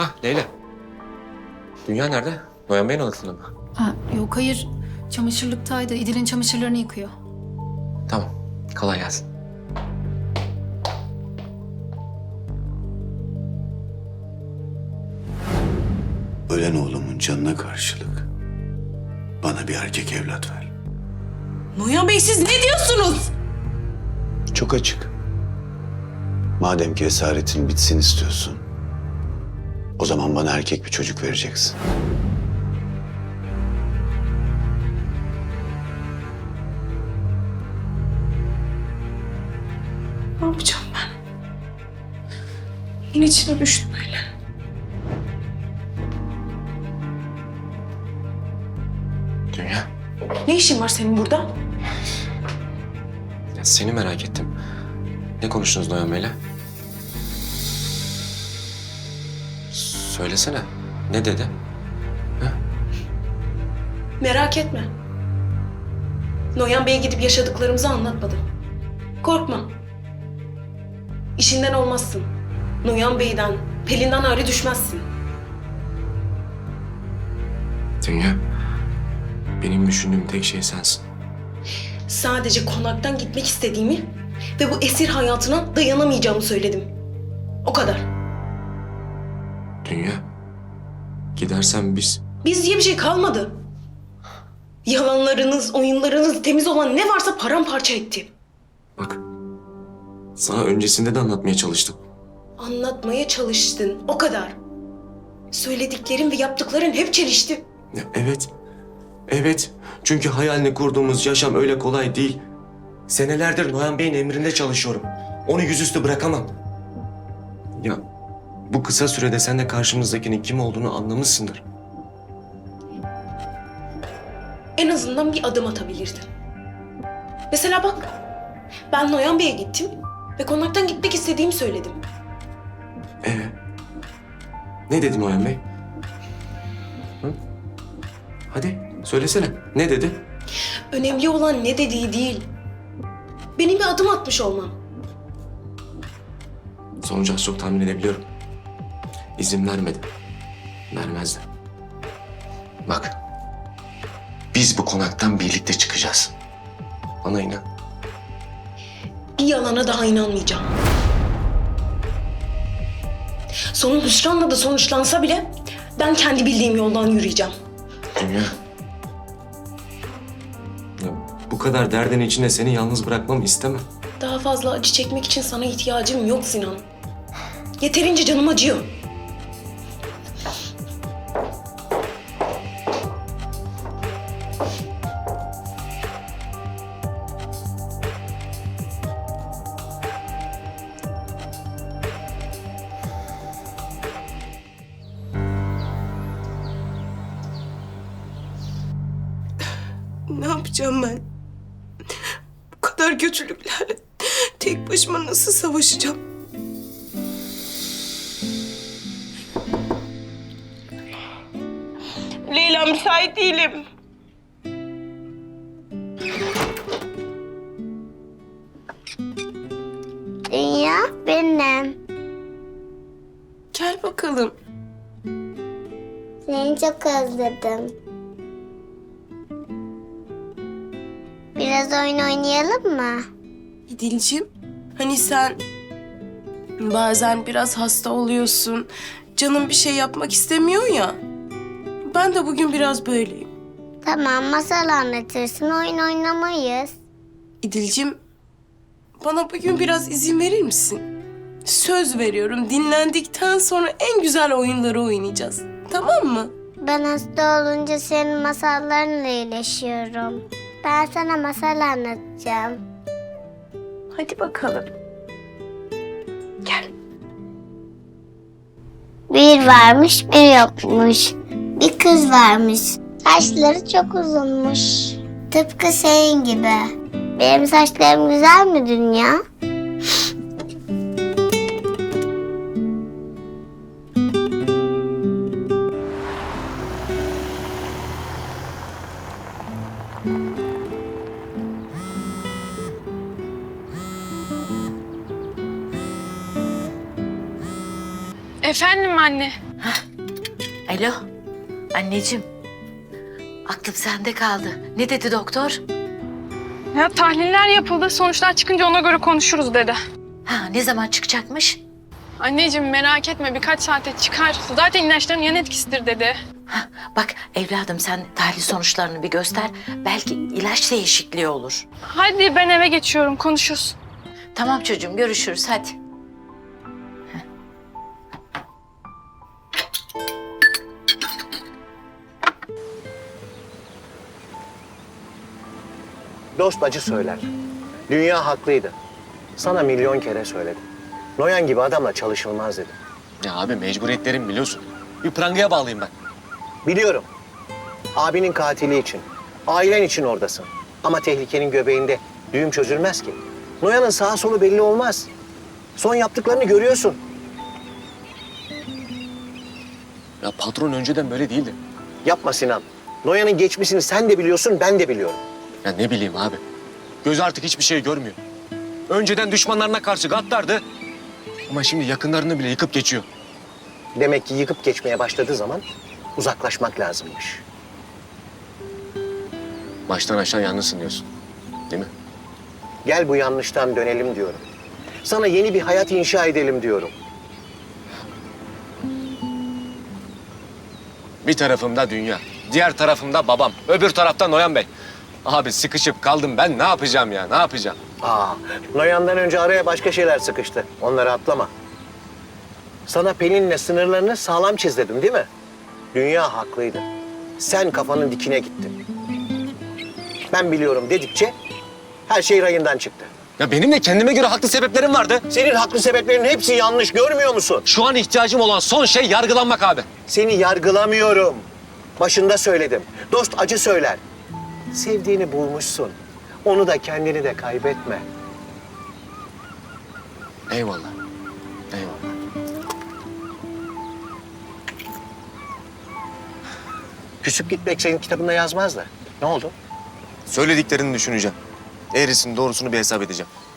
Hah Leyla. Dünya nerede? Noyan Bey'in odasında mı? Ha, yok hayır. Çamaşırlıktaydı. İdil'in çamaşırlarını yıkıyor. Tamam. Kolay gelsin. Ölen oğlumun canına karşılık bana bir erkek evlat ver. Noyan Bey siz ne diyorsunuz? Çok açık. Madem ki esaretin bitsin istiyorsun, o zaman bana erkek bir çocuk vereceksin. Ne yapacağım ben? Yine içine düştüm öyle. Dünya. Ne işin var senin burada? Ya seni merak ettim. Ne konuştunuz Noyan Bey'le? Söylesene. Ne dedi? Merak etme. Noyan Bey'e gidip yaşadıklarımızı anlatmadım. Korkma. İşinden olmazsın. Noyan Bey'den, Pelin'den ayrı düşmezsin. Dünya. Benim düşündüğüm tek şey sensin. Sadece konaktan gitmek istediğimi ve bu esir hayatına dayanamayacağımı söyledim. O kadar. Dünya. Gidersen biz... Biz diye bir şey kalmadı. Yalanlarınız, oyunlarınız, temiz olan ne varsa paramparça etti. Bak. Sana öncesinde de anlatmaya çalıştım. Anlatmaya çalıştın, o kadar. Söylediklerin ve yaptıkların hep çelişti. Ya evet. Evet. Çünkü hayalini kurduğumuz yaşam öyle kolay değil. Senelerdir Noyan Bey'in emrinde çalışıyorum. Onu yüzüstü bırakamam. Ya bu kısa sürede sen de karşımızdakinin kim olduğunu anlamışsındır. En azından bir adım atabilirdin. Mesela bak, ben Noyan Bey'e gittim ve konaktan gitmek istediğimi söyledim. Ne dedi Noyan Bey? Hı? Hadi söylesene. Ne dedi? Önemli olan ne dediği değil, benim bir adım atmış olmam. Sonucu az çok tahmin edebiliyorum. İzin vermedi. Vermezdi. Bak. Biz bu konaktan birlikte çıkacağız. Bana inan. Bir yalana daha inanmayacağım. Sonun hüsranla da sonuçlansa bile ben kendi bildiğim yoldan yürüyeceğim. Dünya. Ya, bu kadar derdin içinde seni yalnız bırakmamı istemem. Daha fazla acı çekmek için sana ihtiyacım yok Sinan. Yeterince canım acıyor. Ne yapacağım ben? Bu kadar kötülüklerle tek başıma nasıl savaşacağım? Leyla müsait değilim. Dünya benim. Gel bakalım. Seni çok özledim. Biraz oyun oynayalım mı? İdil'cim, hani sen bazen biraz hasta oluyorsun, canın bir şey yapmak istemiyor ya. Ben de bugün biraz böyleyim. Tamam, masal anlatırsın, oyun oynamayız. İdil'cim, bana bugün biraz izin verir misin? Söz veriyorum, dinlendikten sonra en güzel oyunları oynayacağız. Tamam mı? Ben hasta olunca senin masallarınla iyileşiyorum. Ben sana masal anlatacağım. Hadi bakalım. Gel. Bir varmış, bir yokmuş. Bir kız varmış. Saçları çok uzunmuş. Tıpkı senin gibi. Benim saçlarım güzel mi Dünya? Efendim anne. Alo, anneciğim. Aklım sende kaldı. Ne dedi doktor? Ya tahliller yapıldı. Sonuçlar çıkınca ona göre konuşuruz dedi. Ha, ne zaman çıkacakmış? Anneciğim merak etme birkaç saate çıkar. Zaten ilaçların yan etkisidir dedi. Ha, bak evladım sen tahlil sonuçlarını bir göster. Belki ilaç değişikliği olur. Hadi ben eve geçiyorum konuşuruz. Tamam çocuğum görüşürüz hadi. Dost acı söyler. Dünya haklıydı. Sana milyon kere söyledim. Noyan gibi adamla çalışılmaz dedim. Ya abi mecburiyetlerim biliyorsun. Bir prangaya bağlıyım ben. Biliyorum. Abinin katili için, ailen için oradasın. Ama tehlikenin göbeğinde düğüm çözülmez ki. Noyan'ın sağa solu belli olmaz. Son yaptıklarını görüyorsun. Ya patron önceden böyle değildi. Yapma Sinan. Noyan'ın geçmişini sen de biliyorsun, ben de biliyorum. Ya ne bileyim abi. Göz artık hiçbir şey görmüyor. Önceden düşmanlarına karşı gaddardı. Ama şimdi yakınlarını bile yıkıp geçiyor. Demek ki yıkıp geçmeye başladığı zaman uzaklaşmak lazımmış. Baştan aşağı yalnızsın diyorsun. Değil mi? Gel bu yanlıştan dönelim diyorum. Sana yeni bir hayat inşa edelim diyorum. Bir tarafımda dünya, diğer tarafımda babam, öbür tarafta Noyan Bey. Abi sıkışıp kaldım ben ne yapacağım ya, ne yapacağım? Noyan'dan önce araya başka şeyler sıkıştı. Onları atlama. Sana Pelin'le sınırlarını sağlam çiz dedim değil mi? Dünya haklıydı. Sen kafanın dikine gittin. Ben biliyorum dedikçe her şey rayından çıktı. Ya benim de kendime göre haklı sebeplerim vardı. Senin haklı sebeplerin hepsi yanlış, görmüyor musun? Şu an ihtiyacım olan son şey yargılanmak abi. Seni yargılamıyorum. Başında söyledim. Dost acı söyler. Sevdiğini bulmuşsun. Onu da kendini de kaybetme. Eyvallah, eyvallah. Küsüp gitmek senin kitabında yazmaz da. Ne oldu? Söylediklerini düşüneceğim. Eğrisini doğrusunu bir hesap edeceğim.